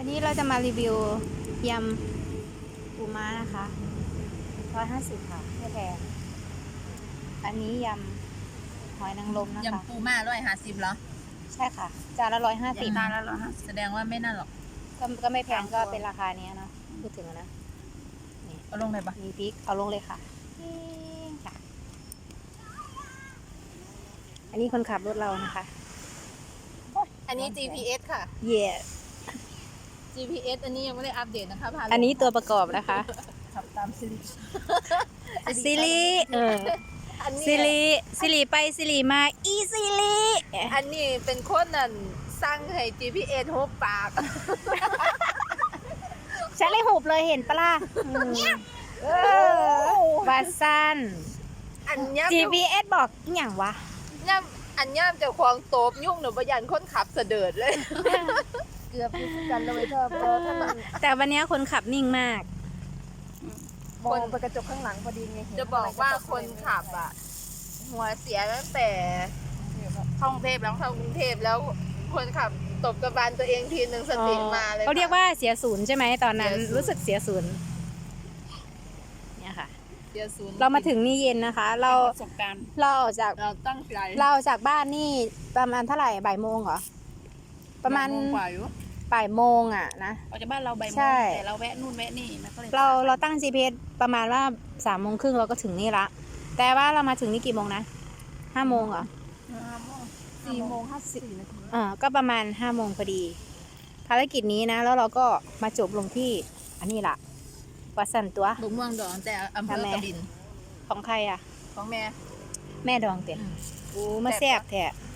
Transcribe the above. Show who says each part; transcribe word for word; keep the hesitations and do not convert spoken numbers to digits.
Speaker 1: วันนี้เราจะมารีวิวยำปูม้านะคะร้อยห้าสิบค่ะไม่แพงอันนี้ยำหอยนางรมนะคะ
Speaker 2: ยำปูม่าร้อยห้าสิบเหรอ
Speaker 1: ใช่ค่ะจานละร้อยห้าสิบ
Speaker 2: จานละร้อยห้าสิบแสดงว่าไม่น่าหรอก
Speaker 1: ก็ก็ไม่แพงก็เป็นราคานี้เนาะพูดถึงนะนี่
Speaker 2: เอาลงเลยปะ
Speaker 1: มีพริกเอาลงเลยค่ะนี่ค่ะ อันนี้คนขับรถเรานะคะ
Speaker 2: อันนี้ จี พี เอส ค่ะ
Speaker 1: เย่
Speaker 2: จี พี เอส อันนี้ยังไม่ได้อัปเดตนะคะพาลง
Speaker 1: อันนี้ตัวประกอบนะคะ
Speaker 2: ขับตามซิริ
Speaker 1: ซิริเออ
Speaker 2: อันนี้
Speaker 1: ซิริซิริไปซิริมาอีซิริ
Speaker 2: อันนี้เป็นคนนั่นสร้างให้ จี พี เอส หุบปาก
Speaker 1: ฉันเลยหุบเลยเห็นปะล่ะอืมเออบาซัน
Speaker 2: อันย่ำ
Speaker 1: จี พี เอส บอกอหย่างวะ
Speaker 2: ย่ำอันย่ำจะควงโตบยุ่งหนูประยันคนขับเสดิร์ดเลย
Speaker 3: เกือบพิกันเลยเธอพอถ้ามัน
Speaker 1: แต่วันนี้คนขับนิ่งมาก
Speaker 3: มองไปกระจกข้างหลังพอดีไงเห็น
Speaker 2: จะบอกว่าคนขับอ่ะ หัวเสียตั้งแต่ท่องเทพแล้วเข้ากรุงเทพแล้วคนขับตบกระบาลตัวเองทีหนึ่งสติมาเลย
Speaker 1: เขาเรียกว่าเสียศูนย์ใช่ไหมตอนนั้น
Speaker 2: เสียศูนย์
Speaker 1: รู้สึกเสียศูนย์เนี่ยค่ะ
Speaker 2: เสียศูนย์
Speaker 1: เรามาถึงนี่เย็นนะคะ เรา
Speaker 2: ประสบการณ์
Speaker 1: เราออกจาก
Speaker 2: เราตั้งใจ
Speaker 1: เราออกจากบ้านนี่ประมาณเท่าไหร่บ่ายโมงเหรอประมาณ
Speaker 2: บ่ยโงกว่าอยู่
Speaker 1: บ่ายโมงอ่ะนะ
Speaker 2: ออกจากบ้านเราบ่ายโมง
Speaker 1: ใช่
Speaker 2: แต่เราแวะนู่นแวะนี่มันก็เลย
Speaker 1: เราเราตั้ง จี พี เอส ประมาณว่าสามโมงครึ่งเราก็ถึงนี่ละแต่ว่าเรามาถึงนี่กี่โมงนะห้าโมงเหรอ
Speaker 3: สี่โมงห้าสิบนาที
Speaker 1: อ่าก็ประมาณห้าโมงพอดี ภารกิจนี้นะ แล้วเราก็มาจบลงที่อันนี้ล่ะวัดสันตัว
Speaker 2: บุกม่วงดองแต่อำเภอ
Speaker 1: ทำไม
Speaker 2: กบิน
Speaker 1: ของใครอ่ะ
Speaker 2: ของแม่
Speaker 1: แม่ดองเต็ม
Speaker 2: อืม
Speaker 1: โอ้มาแซ่บแท้
Speaker 2: แ